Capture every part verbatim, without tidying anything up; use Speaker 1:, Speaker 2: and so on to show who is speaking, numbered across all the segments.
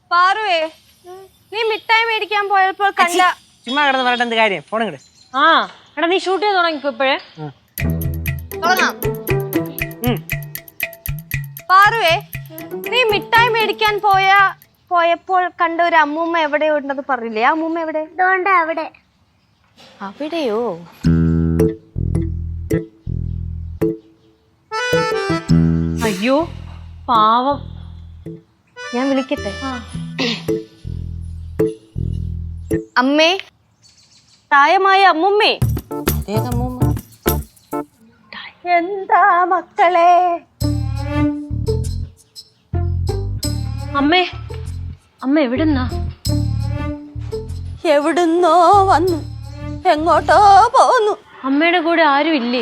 Speaker 1: പാറുവേ നീ മിഠായി മേടിക്കാൻ പോയപ്പോൾ കണ്ട
Speaker 2: ചുമ്മാ കിടന്ന് പറഞ്ഞിട്ട് എന്ത് കാര്യം ഫോൺ ഇങ്ങട്.
Speaker 3: ആ എടാ നീ ഷൂട്ട് ചെയ്ത് തുടങ്ങിക്കോ ഇപ്പോഴേ.
Speaker 1: തുടങ്ങാം. പാറുവേ നീ മിഠായി മേടിക്കാൻ പോയ പോയപ്പോൾ കണ്ട ഒരു അമ്മൂമ്മ എവിടെ ഉണ്ടെന്ന് പറഞ്ഞില്ലേ? ആ അമ്മൂമ്മ എവിടെ?
Speaker 4: അവിടെ
Speaker 1: അവിടെയോ?
Speaker 3: അയ്യോ പാവം.
Speaker 1: ഞാൻ വിളിക്കട്ടെ. അമ്മേ, പ്രായമായ അമ്മുമ്മേ. എന്താ മക്കളെ?
Speaker 3: അമ്മേ, അമ്മ എവിടുന്നാ?
Speaker 1: എവിടുന്നോ വന്നു, എങ്ങോട്ടോ പോന്നു.
Speaker 3: അമ്മയുടെ കൂടെ ആരും ഇല്ലേ?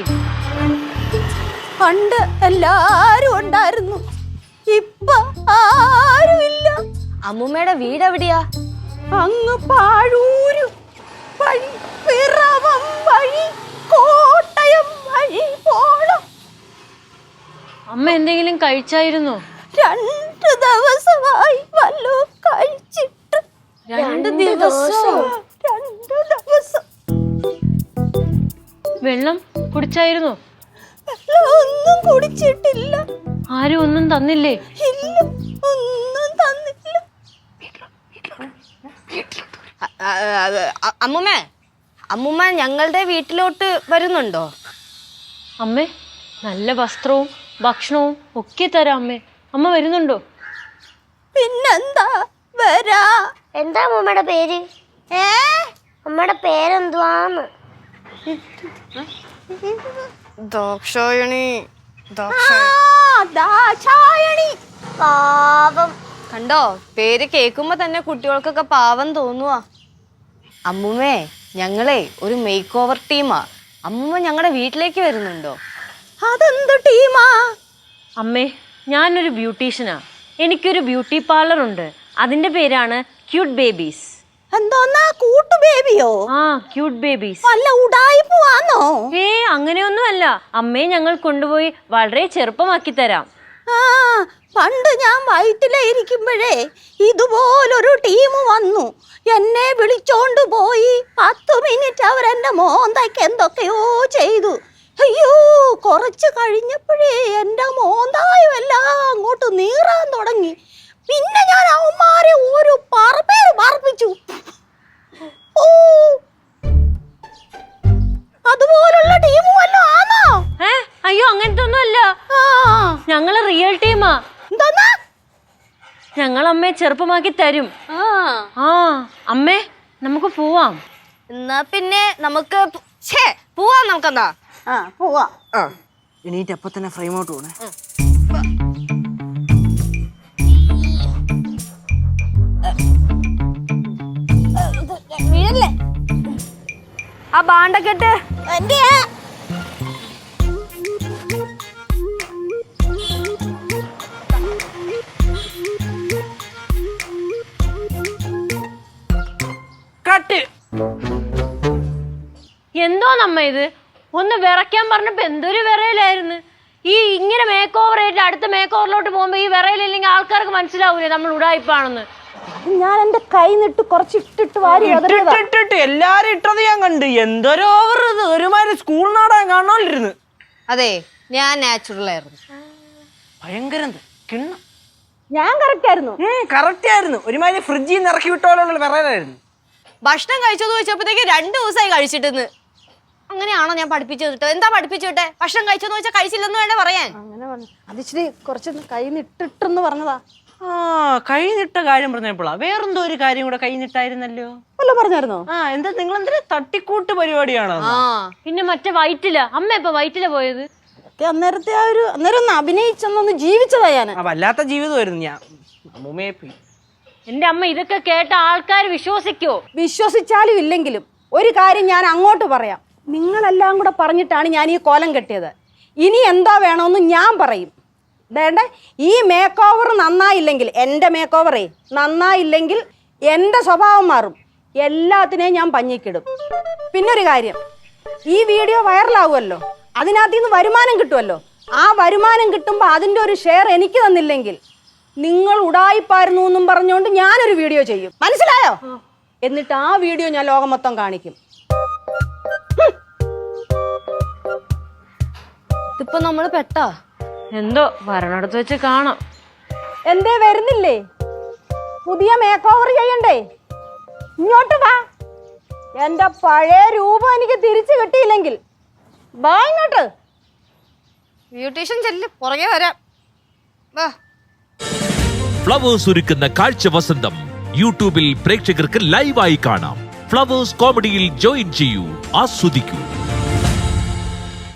Speaker 1: പണ്ട് എല്ലാരും ഉണ്ടായിരുന്നു, ഇപ്പൊ ആരുമില്ല. അമ്മുമ്മയുടെ വീട് എവിടെയാ? അങ്ങ് പാഴൂര് വഴി, പിറവം വഴി, കോട്ടയം വഴി പോണം.
Speaker 3: അമ്മ എന്തെങ്കിലും കഴിച്ചായിരുന്നോ?
Speaker 1: രണ്ട് ദിവസമായി വല്ലോ കഴിച്ചിട്ട്.
Speaker 3: രണ്ട് ദിവസം
Speaker 1: രണ്ട് ദിവസം
Speaker 3: വെള്ളം കുടിച്ചായിരുന്നോ?
Speaker 1: ഒന്നും കുടിച്ചിട്ടില്ല.
Speaker 3: ആരും ഒന്നും തന്നില്ലേ?
Speaker 1: ഇല്ല, ഒന്നും തന്നില്ല. അമ്മുമ്മ, അമ്മുമ്മ ഞങ്ങളുടെ വീട്ടിലോട്ട് വരുന്നുണ്ടോ?
Speaker 3: അമ്മേ, നല്ല വസ്ത്രവും ഭക്ഷണവും ഒക്കെ തരാം അമ്മേ. അമ്മ വരുന്നുണ്ടോ?
Speaker 1: പിന്നെന്താ വരാ.
Speaker 4: എന്താ അമ്മയുടെ പേര്?
Speaker 1: ഏ
Speaker 4: അമ്മയുടെ പേരെന്തുവാന്ന്?
Speaker 1: ദാക്ഷായണി.
Speaker 4: പാവം.
Speaker 1: കണ്ടോ, പേര് കേൾക്കുമ്പോ തന്നെ കുട്ടികൾക്കൊക്കെ പാവം തോന്നുവാ. അമ്മുമ്മേ, ഞങ്ങളെ ഒരു മേക്ക് ഓവർ ടീമാ. അമ്മുമ്മ ഞങ്ങളുടെ വീട്ടിലേക്ക് വരുന്നുണ്ടോ? അതെന്ത് ടീമാ?
Speaker 3: അമ്മേ, ഞാനൊരു ബ്യൂട്ടീഷ്യനാ. എനിക്കൊരു ബ്യൂട്ടി പാർലർ ഉണ്ട്. അതിന്റെ പേരാണ് ക്യൂട്ട് ബേബീസ്.
Speaker 1: എന്തോന്നാ കൂട്ടു ബേബിയോ?
Speaker 3: ആ, ക്യൂട്ട് ബേബീസ്.
Speaker 1: അല്ല, ഉടായിപ്പുവാന്നോ?
Speaker 3: ഏ അങ്ങനെയൊന്നും അല്ല അമ്മേ. ഞങ്ങൾ കൊണ്ടുപോയി വളരെ ചെറുപ്പമാക്കി തരാം.
Speaker 1: ആ, പണ്ട് ഞാൻ വയറ്റിലെ ഇരിക്കുമ്പോഴേ ഇതുപോലൊരു ടീം വന്നു, എന്നെ വിളിച്ചോണ്ട് പോയി. പത്ത് മിനിറ്റ് അവരെന്റെ മോന്തയ്ക്ക് എന്തൊക്കെയോ ചെയ്തു. അയ്യോ, കുറച്ച് കഴിഞ്ഞപ്പോഴേ എന്റെ മോന്തായും എല്ലാം അങ്ങോട്ട് നീറാൻ തുടങ്ങി. പിന്നെ ഞാൻ അവന്മാരെ ഒരു പറപ്പേര് പറപ്പിച്ചു. ഓ, അതുപോലുള്ള ടീം വല്ലോ ആണോ?
Speaker 3: ഏ അയ്യോ, അങ്ങനത്തെ ഒന്നും അല്ല.
Speaker 1: ആ,
Speaker 3: ഞങ്ങള് റിയൽ ടീമാ.
Speaker 1: എന്താ?
Speaker 3: ഞങ്ങൾ അമ്മയെ ചെറുപ്പമാക്കി തരും. ആ അമ്മേ, നമുക്ക് പോവാം.
Speaker 1: എന്നാ പിന്നെ നമുക്ക് പോവാം. നമുക്കെന്താ പോവാം.
Speaker 2: എണീറ്റ് അപ്പൊ തന്നെ ഫ്രെയിം ഔട്ട് പോണേ.
Speaker 1: വീഴല്ലേ ആ ബാണ്ടക്കെട്ട്. എന്റെ
Speaker 2: കട്ട്.
Speaker 3: എന്തോ നമ്മ ഇത് ഒന്ന് വിറയ്ക്കാൻ പറഞ്ഞപ്പോ എന്തൊരു വിറയിലായിരുന്നു. ഈ ഇങ്ങനെ മേക്ക് ഓവർ ആയിട്ട് അടുത്ത മേക്ക് ഓവറിലോട്ട് പോകുമ്പോ ഈ വിറയിലില്ലെങ്കിൽ ആൾക്കാർക്ക് മനസ്സിലാവൂലേ നമ്മൾ ഉടായിപ്പാണെന്ന്.
Speaker 1: ഞാൻ എന്റെ കൈ നിട്ട് കുറച്ച് ഇട്ടിട്ട് വാരി
Speaker 2: ഇട്ടിട്ട് എല്ലാരും ഇട്ടത് ഞാൻ കണ്ട്. എന്തൊരു ഓവർ ഇത്, ഒരുമാതിരി സ്കൂൾ നാടകം കാണാനിരുന്നു.
Speaker 1: അതെ, ഞാൻ നാച്ചുറൽ ആയിരുന്നു.
Speaker 2: ഭയങ്കരം കിണ്ണം.
Speaker 1: ഞാൻ കറക്റ്റ് ആയിരുന്നു.
Speaker 2: കറക്റ്റ് ആയിരുന്നു. ഒരുമാതിരി ഫ്രിഡ്ജിൽ നിന്ന് ഇറക്കി വിട്ടോലുള്ള വിറയിലായിരുന്നു.
Speaker 1: ഭക്ഷണം കഴിച്ചോന്ന് ചോദിച്ചപ്പോഴത്തേക്ക് രണ്ടു ദിവസമായി കഴിച്ചിട്ടെന്ന്. അങ്ങനെയാണോ ഞാൻ പഠിപ്പിച്ചു വിട്ടത്? എന്താ പഠിപ്പിച്ചു വിട്ടെ? ഭക്ഷണം കഴിച്ചോന്ന് ചോദിച്ചാൽ കഴിച്ചില്ലെന്ന് വേണ്ട പറയാൻ. അങ്ങനെ അതിച്ചിരി കുറച്ച് കൈ നിട്ടിട്ടെന്ന് പറഞ്ഞതാ.
Speaker 2: ആ, കൈ നിട്ട കാര്യം പറഞ്ഞപ്പോഴാ വേറെന്തോ ഒരു കാര്യം കൂടെ കൈ നിട്ടായിരുന്നല്ലോ.
Speaker 1: വല്ല പറഞ്ഞായിരുന്നോ?
Speaker 2: ആ, എന്താ നിങ്ങൾ എന്തൊരു തട്ടിക്കൂട്ട് പരിപാടിയാണോ?
Speaker 3: ആ, പിന്നെ മറ്റേ വയറ്റില അമ്മ ഇപ്പൊ വയറ്റില പോയത്.
Speaker 1: അന്നേരത്തെ ആ ഒരു അന്നേരം ഒന്ന് അഭിനയിച്ചൊന്നൊന്ന് ജീവിച്ചതാ ഞാൻ.
Speaker 2: വല്ലാത്ത ജീവിതമായിരുന്നു. ഞാൻ അമ്മൂമ്മയെ പോയി.
Speaker 3: എന്റെ അമ്മ ഇതൊക്കെ കേട്ട ആൾക്കാർ വിശ്വസിക്കോ?
Speaker 1: വിശ്വസിച്ചാലും ഇല്ലെങ്കിലും ഒരു കാര്യം ഞാൻ അങ്ങോട്ട് പറയാം. നിങ്ങളെല്ലാം കൂടെ പറഞ്ഞിട്ടാണ് ഞാൻ ഈ കോലം കെട്ടിയത്. ഇനി എന്താ വേണമെന്ന് ഞാൻ പറയും. വേണ്ട, ഈ മേക്ക് ഓവർ നന്നായില്ലെങ്കിൽ, എൻ്റെ മേക്ക് ഓവറേ നന്നായില്ലെങ്കിൽ എൻ്റെ സ്വഭാവം മാറും. എല്ലാത്തിനെയും ഞാൻ പഞ്ഞിക്കിടും. പിന്നൊരു കാര്യം, ഈ വീഡിയോ വൈറലാവുമല്ലോ, അതിനകത്ത് നിന്ന് വരുമാനം കിട്ടുമല്ലോ. ആ വരുമാനം കിട്ടുമ്പോൾ അതിൻ്റെ ഒരു ഷെയർ എനിക്ക് തന്നില്ലെങ്കിൽ നിങ്ങൾ ഉടായിപ്പായിരുന്നു എന്നും പറഞ്ഞുകൊണ്ട് ഞാനൊരു വീഡിയോ ചെയ്യും, മനസ്സിലായോ? എന്നിട്ട് ആ വീഡിയോ ഞാൻ ലോകം മൊത്തം കാണിക്കും.
Speaker 3: ഇതിപ്പോ നമ്മള് പെട്ടാ എന്തോ വരണടുത്ത് വെച്ച് കാണാം.
Speaker 1: എന്തേ വരുന്നില്ലേ? പുതിയ മേക്ക് ഓവർ ചെയ്യണ്ടേ? ഇങ്ങോട്ട് വാ. എന്റെ പഴയ രൂപം എനിക്ക് തിരിച്ചു കിട്ടിയില്ലെങ്കിൽ വാ ഇങ്ങോട്ട്.
Speaker 5: ബ്യൂട്ടീഷ്യൻ ചെല്ല്, പുറകെ വരാം. വാ.
Speaker 6: ഫ്ലവേഴ്സ് ഒരുക്കുന്ന കാഴ്ച വസന്തം യൂട്യൂബിൽ പ്രേക്ഷകർക്ക് ലൈവായി കാണാം. ഫ്ലവേഴ്സ് കോമഡിയിൽ ജോയിൻ ചെയ്യൂ, ആസ്വദിക്കൂ.